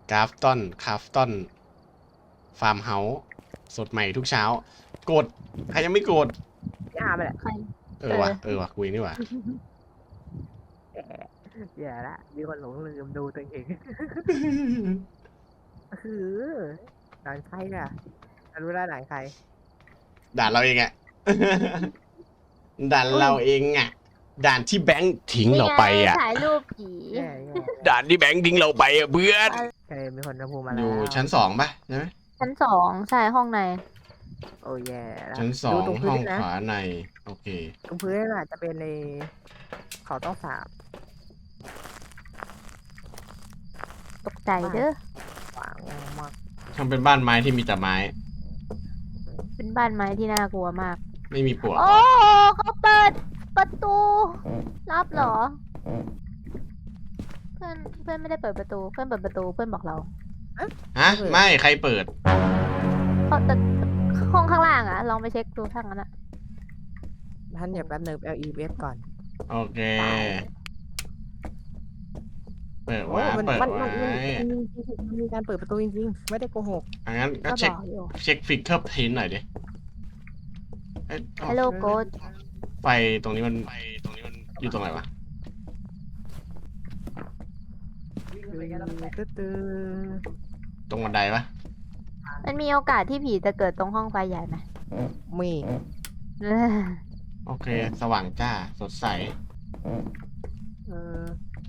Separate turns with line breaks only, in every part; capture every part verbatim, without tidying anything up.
กราฟตอนคราฟตอนฟาร์มเฮาส์สดใหม่ทุกเช้ากดใครยังไม่กด
พี่อาร์มแหละ
ใคร
เออว่ะเออว่ะกูเองนี่ว่ะ
แย่ละมีคนหลงลืมดูตัวเองคือด่านใครน่ะรู้แล้วด่านใคร
ด่านเราเองอะด่านเราเองอะด่านที่แบงค์ทิ้งเราไปอะ
ถ่ายรูปผี
แย่แย่
ด่านที่แบงค์ทิ้งเราไปอะเพื่อน
เคยมีคนจะพูดมา
อ
แล้ว
ยู่ชั้นสองปะใช่ไหม
ชั้นสองใช่ห้องใน
โอ้แย่แล้ว
ชั้นสอ
ดู
ง
ตรง
ห้
พื้
อน ง
นะ
ขวาในโอเค
ตรงพื้นน่ะจะเป็นในเขาต้องสาบ
ตกใจเด้อ
ขวางมาก
ทำเป็นบ้านไม้ที่มีแต่ไม้
เป็นบ้านไม้ที่น่ากลัวมาก
ไม่มีปลวก
โอ้เขาเปิดประตู รับเหรอ เพื่อนเพื่อนไม่ได้เปิดประตู เพื่อนเปิดประตูเพื่อนบอกเรา
ฮะไม่ใครเปิด
เขาแต่ห้องข้างล่างอะลองไปเช็คดูข้างนั้นอะ
ท่านอย่าแป๊บนึง L E F ก่อน
โอเค เปิด
โอ้
ไว้
มัน
เปิด
มัน
ไว้
มันมันมีการเปิดประตูจริงๆไม่ได้โกหก
อังั้นก็
ก็
เช็
บ
ค
อกอยู่
เช็คฟิกเกอร์พินหน่อยดิเอ้ยเอ้า
Hello Ghost
ไฟตรงนี้มันไฟตรงนี้มันอยู่ตรงไหนวะ
ตื้อตื้อ
ตรงบันไดปะ
มันมีโอกาสที่ผีจะเกิดตรงห้องไฟใหญ่ไหม
มี
เออ
โอเค สว่างจ้า สดใส
เออ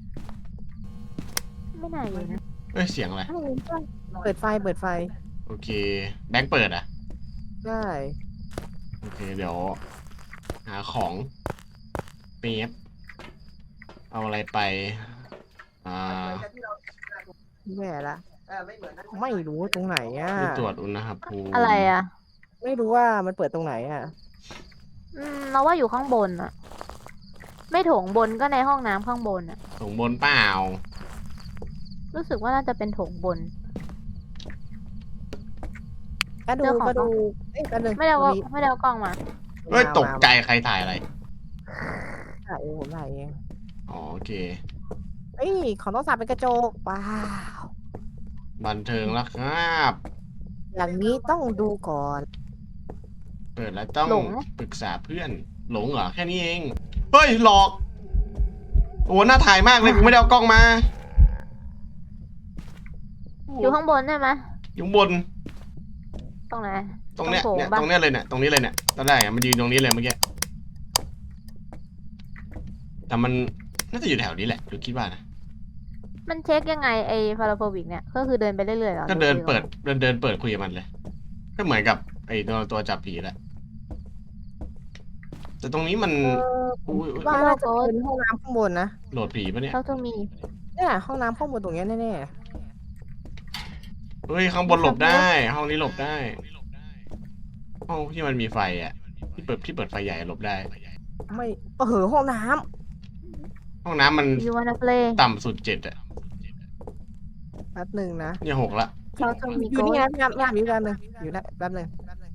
ไม่น่าอยู่นะ
เอ้ย เสียงอะไร
เปิดไฟเปิดไฟ
โอเค แบงค์เปิดอ่ะ
ได้
โอเค เดี๋ยว หาของเปียบเอาอะไรไป อ่า
แย่ละไม่รู้ตรงไหนอ่ะ
ที่ตรวจอุณหภูมิ
อะไรอะ
ไม่รู้ว่ามันเปิดตรงไหนอ่ะ
อืมเราว่าอยู่ข้างบนอะไม่โถงบนก็ในห้องน้ำข้างบนอะ
ส่งบนเปล่า
รู้สึกว่าน่าจะเป็นโถงบน
ก็ดู
เจ้าของ
ก็ดูเอ้ยกันเลย
ไม่ได้เอาไม่ได้เอากล้องมา
เฮ้ย ตกใจใครถ่ายอะไร
ถ่ายเองผมถ่ายเอง
อ๋อ โอเค
เอ้ยของต้องสาบเป็นกระจกว้าว
บันเทิงแล้วครับ
อย่างนี้ต้องดูก่อน
เปิดแล้วต้อง
หลง
ปรึกษาเพื่อน หลงเหรอ แค่นี้เอง เฮ้ย หลอก โอ้น่าถ่ายมากเลยกูไม่ได้เอากล้องมา
อยู่ข้างบนใช่ไหม
อยู่ข้างบน
ตรงไหน
ตรงเนี้ย
ตรงโถง
เนี่ย
ปะ
ตรงเนี้ยเลยเนี่ย ตรงนี้เลยเนี่ย ตอนแรกอะมันยืนตรงนี้เลยเมื่อกี้ แต่มันน่าจะอยู่แถวนี้แหละดูคิดว่านะ
มันเช็คยังไงไอ้ฟาราโฟบิกเนี่ย ก็คือเดินไปเรื่อยๆหรอ
ก็เดิน
หรือ
เปิด เดินเดินเปิดคุยกับมันเลย ก็เหมือนกับไอ้ตัวตัวจับผีแหละ แต่ตรงนี้มัน
เออ
อุ้ยอุ๊ย
ว่าน่าจะเป็นห้องน้ำข้างบนนะ
โหลดผีปะเนี่ย
เขาจะมี
เนี่ยห้องน้ำข้างบนตรงเนี้ยแน่
เฮ้ยข้างบนหลบได้ ห้องนี้หลบได้ ห้องที่มันมีไฟอ่ะ ที่เปิดที่เปิดไฟใหญ่หลบได้
ๆไม่เออห้องน้
ห้องน้ำมัน
ยูวานาเพลย์
ต่ำสุดเจ็ดอ่ะ
ำแป๊บหนึ่งนะ
เนี่ยหกละ
เขาจะมี
อยู่
โก
นี่
ส
นะพี่ยามพี่ยามอยู่แป๊บหนึงอยู่นะแป๊บหนึง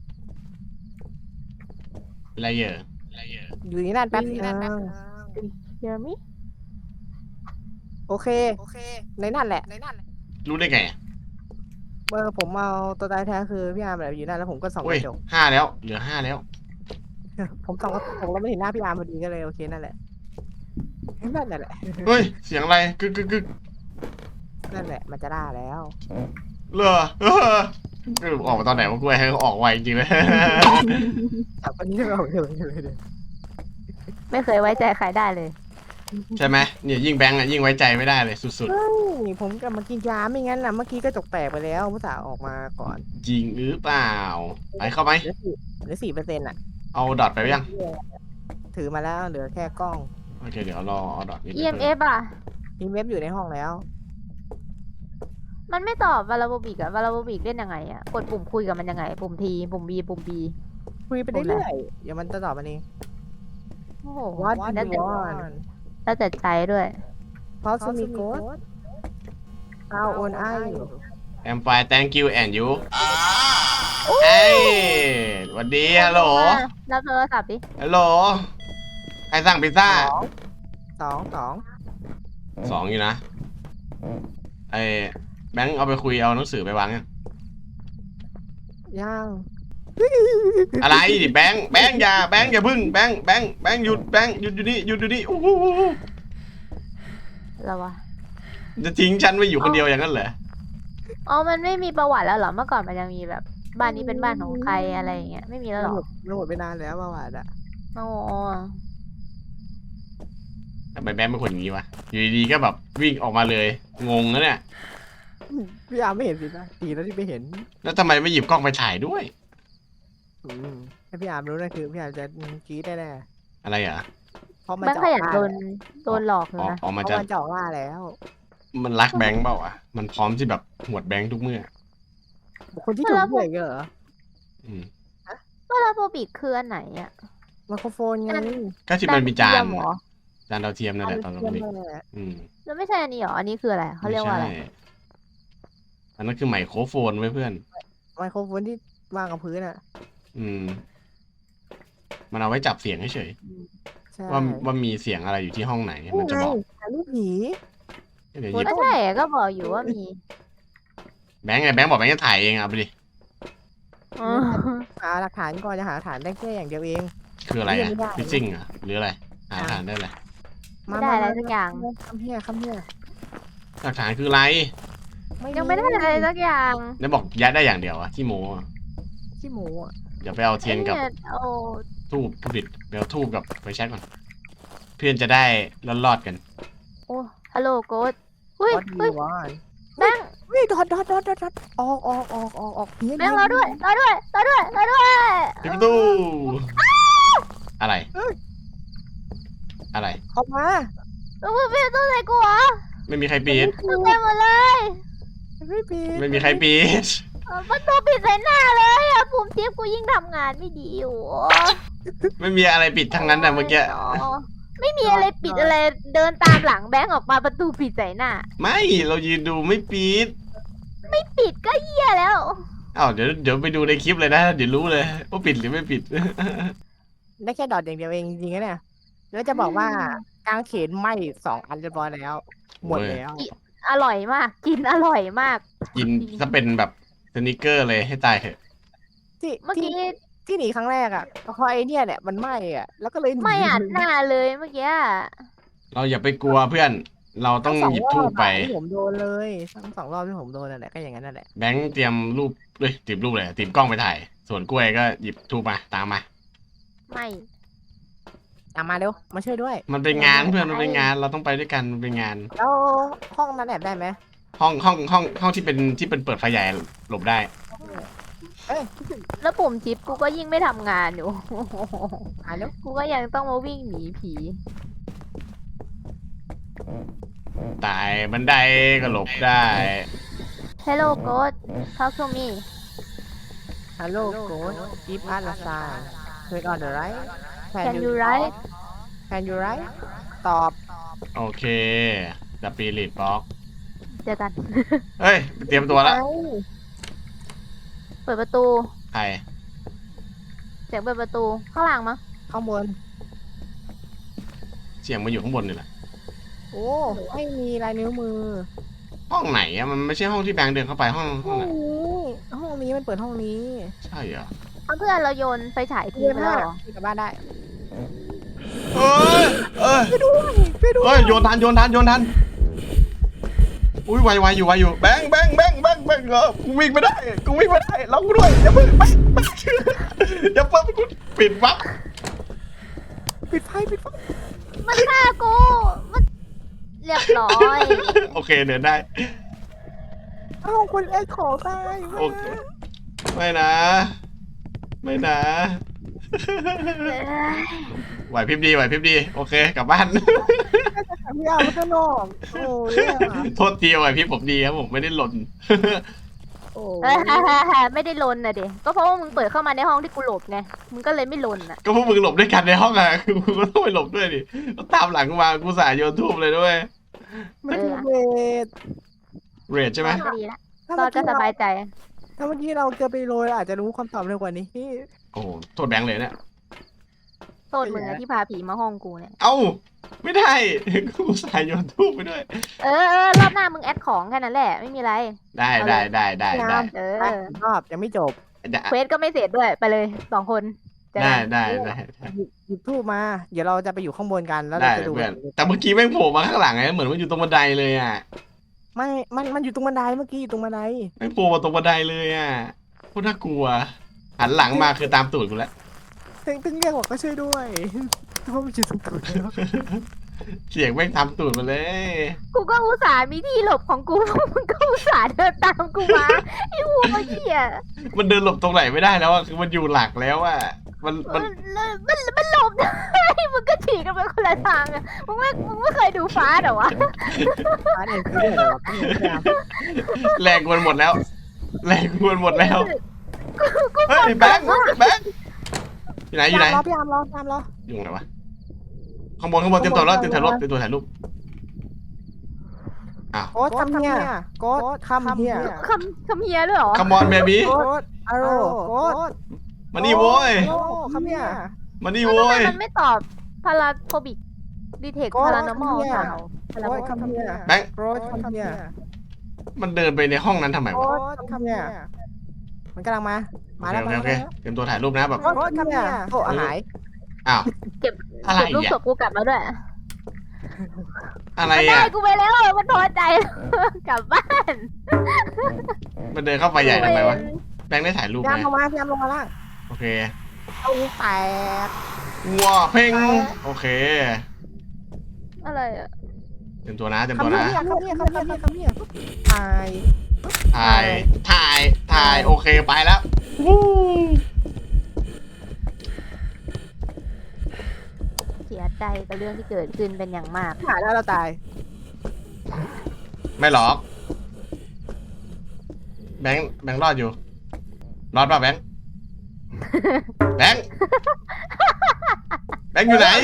อะไรเยอะ
อยู่นี่นั่นแป๊บนึง
เยอมิ
โอเคในนั่นแหละ
รู้ได้ไงอะ
เออผมเอาตัวตายแท้คือพี่ยามแบบอยู่นั่นแล้วผมก็ส่องก
เฮ้ย
ระจก
ห้าแล้ว เหลือห้าแล้ว
ผมส่องกระจกแล้วไม่เห็นหน้าพี่ยามพอดีก็เลยโอเคนั่นแหละนั่นแหละ
เฮ้ย เสียงอะไร กึกกึกกึก
นั่นแหละมันจะได้แล้ว
เหรอเออเออออกมาตอนไหนวะกูให้เขาออกไวจริงๆเลย
จับอันนี้เราเดี๋ยวเดี๋ยวเดี๋ยว
ไม่เคยไว้ใจใครได้เลย
ใช่ไหมเนี่ยยิ่งแบงก์อะยิ่งไว้ใจไม่ได้เลยสุด
เฮ้ยผมกลับมากินยาไม่งั้นนะเมื่อกี้กระจกแตกไปแล้วผู้สาวออกมาก่อน
ๆ จริงหรือเปล่า ไปเข้าไหม
เหลือสี่เหลือสี่เปอร์เซ็นต์อ่ะ
เอาดอทไปยัง
ถือมาแล้วเหลือแค่กล้อง
โอเค เดี๋ยวรอเอาดอทนี่ไป
อี เอ็ม เอฟ อ่ะ
ทีมเว็บอยู่ในห้องแล้ว
มันไม่ตอบวาลาโบบิกอะวาลาโบบิกเล่นยังไงอะกดปุ่มคุยกับมันยังไง ปุ่มทีปุ่มบีปุ่มบี
คุยไปเรื่อยๆเดี๋ยวมันจะตอบมันเอง
โอ้โห
What
แล้ว
do
แต่
you want
แล้วแต่ใจด้วย
How to me good How old are you
I'm fine thank you and you เอ้ยสวัสดีฮัลโหล
รับโทรศัพท์ดิ
ฮัลโหล ใครสั่งพิซซ่า
สองสอง
สองอยู่นะไอแบงค์เอาไปคุยเอาหนังสือไปวางยัง
ย่าง
อะไรดิแบงค์แบงค์อย่าแบงค์อย่าพึ่งแบงค์แบงค์แบงค์หยุดแบงค์หยุดอยู่นี่หยุดอยู่นี่โอ้โห
แล้ววะ
จะทิ้งฉันไว้อยู่คนเดียวอย่างนั้นเหรอ
อ๋อมันไม่มีประวัติแล้วเหรอเมื่อก่อนมันยังมีแบบ บ้านนี้เป็นบ้านของใครอะไรอย่างเงี้ยไม่มีแล้วเหรอ
มันหมดไปนานแล้วประวัติอะ
โอ้
ทำไมแบงค์เป็นคนอย่างนี้วะอยู่ดีๆก็แบบวิ่งออกมาเลยงงนะเนี่ย
พี่อาร์มไม่เห็นสินะดีแล้วที่ไม่เห็น
แล้วทำไมไม่หยิบกล้องไปถ่ายด้วย
อืมถ้าพี่อาร์มรู้นั่นคือพี่อาร์มจะกรี๊ดแน่
อะไรอ่ะ
ๆเพราะมัน
แบง
จะ
ค์ขยัน
ออก
โด
ล่าน
โดนหลอกเล
อ๋อย
นะ
ออก
เพ
มา
ราะ
จะ
มันจะออกล่าแล้ว
มันรักแบงค์เปล่าอ่ะมันพร้อมที่แบบหวดแบงค์ทุกเมื่อ
บุคคลที่ถูกเบื่อเหรอ
อืม
วาลาโบบิกคืออันไหนอ่ะ
ไมโครโฟนไง
ก็ที่มันมีจาน
เทียเหรอ
จานดาวเทียมนั่นแหละตอนเรา
เทียม
เด็ก
นั่นแหละ
อืม
แล้วไม่ใช่อันนี้เหรออันนี้คืออะไรเขาเรียกว่าอะไร
ม่ใช่อันนั้นคือไมโครโฟนไว้เพื่อน
ไมโครโฟนที่วางกับพื้นอ่ะ
อืม มันเอาไว้จับเสียงเฉย
ใช่
ๆว่าว่ามีเสียงอะไรอยู่ที่ห้องไหนมันจะบอก
ถ่ายรูปผี
เดี๋ยวหยิบ
ก็ใช่ก็บอกอยู่ว่ามี
แบงค์ไงแบงค์บอกแบงค์จะถ่ายเองอ่ะไปดิ
อ๋อ
หาหลักฐานก่อนจะหาหลักฐานได้แค่อย่างเดียวเอง
คืออะไรอ่ะ
ไม่ได้
ฟิซซิ่งอ่ะหรืออะไรหาฐานได้เลย
ไม่ได้อะไรสักอย่าง
คำเฮียคำเฮีย
หลักฐานคืออะไร
ยังไม่ได้อะไรสักอย่าง
แล้วบอกยัดได้อย่างเดียวอ่ะที่โมอ่ะ
ขี้หมูอ่ะ
เดี๋ยวไปเอาเทียนกับ
ไอ้โอ้
ทูบผลิตเดี๋ยวทูบกับไฟแช็กก่อนเพื่อนจะได้รอดๆกัน
โอ้ฮัลโหลโกดเฮ้ย
วัด
เฮ้
ดี
ย
วาน
แบงค์
เฮ้ยดอดดอดดอดดอดดอดออกออกออกออกออกเฮีย
แบงค์รอด้วยรอด้วยรอด้วยรอด้วย
ปิดประตูอะไร อะไร
ออกมา
แล้วมึงปิดประตู้ใส่กูเหรอ
ไม่มีใครปิด
มึงเต็มหมดเลย
ไม่ปิด
ไม่มีใครปิด
เออประตูปิดใส่หน้าเลยอะปุ่มจิ๊บกูยิ่งทำงานไม่ดีอยู่
ไม่มีอะไรปิดทั้งนั้นนะเมื่อกี้
อ๋อไม่มีอะไรปิดอะไรเดินตามหลังแบงค์ออกมาประตูปิดใส่หน้า
ไม่เรายืนดูไม่ปิด
ปิดก็เหี้ยแล้ว
อ้าวเดี๋ยวเดี๋ยวไปดูในคลิปเลยนะเดี๋ยวรู้เลยว่าปิดหรือไม่ปิด
ได้แค่ดอดอย่างเดียวเองจริงๆนะเนี่ยแล้วจะบอกว่ากางเขนไหมสองอันเรียบร้อยแล้ว หมดแล้ว
อร่อยมาก กินอร่อยมาก
กินถ้าเป็นแบบสนิกเกอร์เลยให้ตายเถอะ
ที่
เมื่อ
ที่
กี้
ที่หนีครั้งแรกอ่ะเพราะไอ้เนี่ยแหละมันไหมอ่ะแล้วก็เลยหนี
ไม่อัดหน้าเลยเมื่อกี้
เราอย่าไปกลัวเพื่อน เราต้อง
ทั้ส
หยิบทูบไป
รอบอะที่ผมโดนเลยทั้งสองรอบที่ผมโดนนั่นแหละก็อย่างนั้นนั่นแหละ
แบงค์เตรียมรูปเลยติดรูปเลยติดกล้องไปถ่าย ส่วนกล้วยก็หยิบทูบมาตามมา
ไม่
ตามมาเร็วมาช่วยด้วย
มันเป็นงานเพื่อนมันเป็นงานเราต้องไปด้วยกันมันเป็นงาน
แล้วห้องนั้นแอบได้ไหม
ห้องห้องห้องห้องที่เป็นที่เป็นเปิดไฟใหญ่หลบได้
เอ้ย
แล้วปุ่มชิปกูก็ยิ่งไม่ทำงานอยู่
อ่านแล้ว
กูก็ยังต้องมาวิ่งหนีผี
ตายบันไดก็หลบได้
Hello God talk to me
ฮัลโหลโกดกิฟต์อาร์ลาซาเกิดออนเดอะไร
Can you write
Can you write ตอบ
โอเคดับปีลิดบล็อก
เจอกัน
เฮ้ยเตรียมตัวแล้ว
ไอ้
เปิดประตู
ใคร
เสียงเปิดประตู ข้างหลังมั้ง
ข้างบน
เสียงมาอยู่ข้างบนนี่แหละ
โอ้ไม่มีลายนิ้วมือ
ห้องไหนอะมันไม่ใช่ห้องที่แบงค์เดินเข้าไปห้องห้
ห้
อ
อง ง
ไหน
นี้ห้องนี้มันเปิดห้องนี้
ใช่เหรอ
เอาเพื่อนเราโยนไฟฉายทิ้ง
เรียน
ไป
มา
แล้วเหรอ
กลับบ้านได้
เอ้ยเอ้ย
ไปด้วยไปด้วย
เอ้ยโยนทันโยนทันโยนทันอุ้ยไวไวอยู่ไวอยู่แบงค์แบงค์แบงค์แบงค์แบงค์เออกูวิ่งไม่ได้กูวิ่งไม่ได้ล็อกกูด้วยอย่าเพิ่งแบงค์แบงค์อย่าเพิ่งกูปิดวับ
ปิดไฟปิดไฟ
มันฆ่ากู มันเรียบร้อย
โอเคเดินได้
เอ้าคนแรกขอตาย
โอเคไม่นะ ไม่นะ ไหวพริบดีไหวพริบดีโอเคกลับบ้าน
พี่อาร์มันก็นอกโอ้ย
โทษทีไหวพริบผมดีครับผมไม่ได้หล่น
โอ้
เออ ไม่ได้ลนนะเด็ก็เพราะว่ามึงเปิดเข้ามาในห้องที่กูหลบไง มึงก็เลยไม่ลนอ่ะ
ก็พวกมึงหลบด้วยกันในห้องอะคือมึงก็ต้องไปหลบด้วยดิก็ตามหลังกูมากูสายโยนทูบเลยด้วย
ไม่ถูกเวท
เรดใช่ไหม
ก็ดีละ
ถ้า
ตอ
เมื่
น
อ
ก็
กี้
สบายใจ
ถ้าเมื่อกี้เราเกือบไปโรยอาจจะรู้คำตอบเร็วกว่านี้
โอ้โหโทษแบงค์เลยเนี่ย
โทษมึงอะที่พาผีมาห้องกูเนี่ย
เอ้าไม่ได้กูใส่โยนทูบไปด้วย
เออเออรอบหน้ามึงแอดของแค่นั้นแหละไม่มีอะไร
ได้ได้ได้ได้ได้
เออ
ไปรอบยังไม่จบ
เควสก็ไม่เสร็จด้วยไปเลยสองคนเจอ
ได้
กัน
ได้ได้
หยิบหยิบทูบมา เดี๋ยวเราจะไปอยู่ข้างบนกันแล้ว
ได้
เราจะดู
เพื่อนแต่เมื่อกี้แม่งโผล่มาข้างหลังไงเหมือนว่าอยู่ตรงบันไดเลยอ่ะ
ไม่มันมันอยู่ตรงบันไดเมื่อกี้อยู่ตรงบันได
แม่งโผล่มาตรงบันไดเลยอ่ะโคตรน่ากลัวหันหลังมาคือตามตูดกูแล้ว
ตึงตึงเรียกบอกก็ช่วยด้วยเพราะมันอยู่ตรงตูดแล้ว
เสียงแม่งตามตูดมาเลย
กูก็อุตส่าห์มีที่หลบของกู มึงก็อุตส่าห์เดินตามกูมาไอ้หัวเหี้ย
มันเดินหลบตรงไหนไม่ได้แล้วอ่ะคือมันอยู่หลักแล้วอ่ะมัน
มั
มัน
นมันมันหลบได้ มึงก็ฉีกกันไปคนละทางอะมึงไม่มึงไม่เคยดูฟ้าเหรอวะ
ฟ้าเนี่ยคือเรื่องอะไรวะพี่พยายาม
แรงมันหมดแล้ว แรงมันหมดแล้ว
กูกู
เฮ้ยแบงค์แบงค์อยู่ไหนอยู่ไหน
รอพี่ยามรอพี่ยามรอ
อยู่ไหนวะข้างบนข้างบนเตรียมตัวแล้วเตรียมถ่ายรูปเตรียมตัวถ่ายรูปอ้าว
โค้ดคำเฮียโค้ดคำเฮีย
คำคำเฮียด้วยเหรอ
คัมอนเบบี้
โค้ดอารโค้ด
มานี่โว้ย
โอ้คำเฮีย
มานี่
ทำ
โว้
ไม
ย
มันไม่ตอบพาราโฟบิกดีเทค
โค้ด
พารานอมอล
คำเฮีย
เปล่า
โค้ดคำเฮีย
แบงค์
โค้ดคำเฮีย
มันเดินไปในห้องนั้นทำไม
โค้
วะ
ดคำเฮียมันกำลังมามา
โอ
แล้ว
เค
มา
โอเค
แล้ว
เตรียมตัวถ่ายรูปนะแบบ
โค้ดคำเฮียโอ้หาย
อ้าว
เก็บ
อะไร
เก็บรูป
อ่ะ
ศพกูกลับมาด้วย
อะไร
มันได้
อ่ะ
กูไปแล้วมันพอใจ กลับบ้าน
มันเดินเข้าไปใหญ่ทำไมวะแบงค์ได้ถ่ายรูป
พยายาม
ไหม
ลงมาพยายามลงมาล่าง
โอเค
เอาแตก
ว้าเพ่งโอเค
อะไรอ่ะ
เตรียมตัวนะเตรียมตัว
คำเฮี
นะ
ยคำเฮียคำเฮียคำเฮียตาย
ถ่ายถ่ายถ่ายโอเคไปแล้ววู้
เสียใจกับเรื่องที่เกิดขึ้นเป็นอย่างมาก
หายแล้วเราตาย
ไม่หรอกแบงค์แบงค์รอดอยู่รอดป่ะแบงค์แบงค์แบงค์อยู่ไหน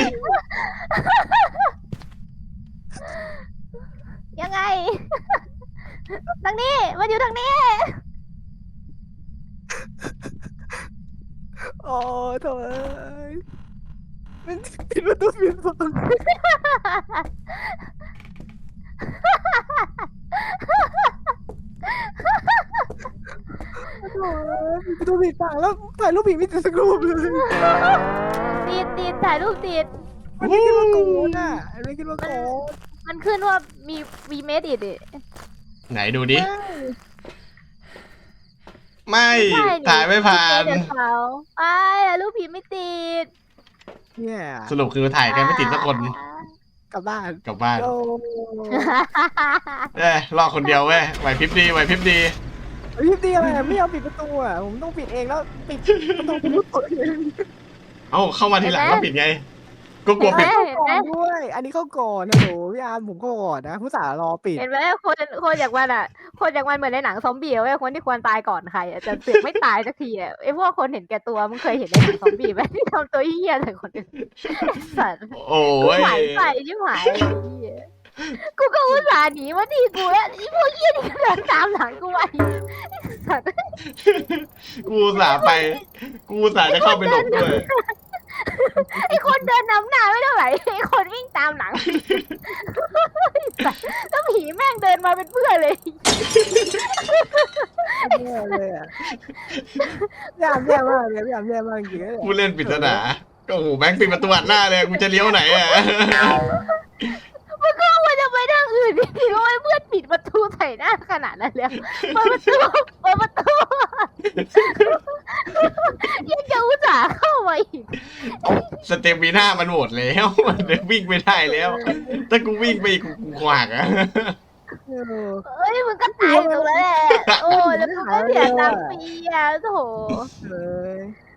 ยังไง ทางนี้มันอยู่ทางนี้
โอ้โถ่มันปิดประตูปิดประตูปิดประตูปิดปากแล้วถ่ายรูปผีไม่ติดสักรูปเลย
ติดติดถ่ายรูปติด
มันไม่คิดว่าโกนอ่ะมันไม่คิดว่าโกน
มันขึ้นว่ามีวีเมดอิด
ไหนดูดิไม่ถ่ายไม่ผ่าน
เขาไอ้รูปผีไม่ติด
เนี่ย
สรุปคือถ่ายกันไม่ติดสักคน
กลับบ้าน
กลับบ้าน
โอ้
เอ้ยรอคนเดียวเว้ยไหวพริบดีไหวพริบดี
พี่ตีอะไรไม่ยอมปิดประตูอ่ะผมต้องปิดเองแล้วปิดประตูผมเปิดเอง
เอ้าเข้ามาทีหลังแล้วปิดไง ก็กลัวปิด
เห็นไหม
ก่อนด้วย อันนี้เข้าก่อนนะโหพี่อาร์มผมก็ก่อนนะผู้สาวรอปิด
เห็นไหมคนคนอย่างมันอ่ะ คนอย่างมันเหมือนในหนังซอมบี้เว้ยคนที่ควรตายก่อนใครอ่ะแต่เสือกไม่ตายสักทีอ่ะไอ้พวกคนเห็นแก่ตัวมึงเคยเห็นในหนังซอมบี้ไหมที่ทำตัวเหี้ยใส่คนอื่นสัตว์
โอ้
กู
ย
หายไปชิบหายไอ้เหี้ยกูก็อุตส่าห์หนีมาที่กูแล้วไอ้พวกเหี้ยนี่ก็เดินตามหลังกูไปสัตว์
กูอุตสาห์ไป กูอุตสาห์จะเข้าไปหลบด้วย
ไอ้คนเดินนำหน้าไม่เท่าไหร่ไอ้คนวิ่งตามหลังแล้วผีแม่งเดินมาเป็นเพื่อนเลย
แย่เลยอ่ะพี่อาร์มแย่มากเลยพี่อาร์มแย่มากจริงๆเลย
กูเล่นปริศนาก็โอ้โหแบงค์ปิดประตูอัดหน้าเลยกูจะเลี้ยวไหนอ่ะ
มันก็ควรจะไปทางอื่นดิทำไมเพื่อนปิดประตูใส่หน้าขนาดนั้นแล้วเปิดประตูเปิดประตูยังจะอุตส่าห์เข้ามาอีก
สเตมิน่ามันหมดแล้ว มันวิ่งไม่ได้แล้ว ถ้ากูวิ่งไปอีกกูกูขวากอ่ะ
เออ
เอ้ยมึงก็ตายตรงนั้นแหละโอ้แล้วมึงก็เสียตังค์ฟรีอ่ะโถ
เลย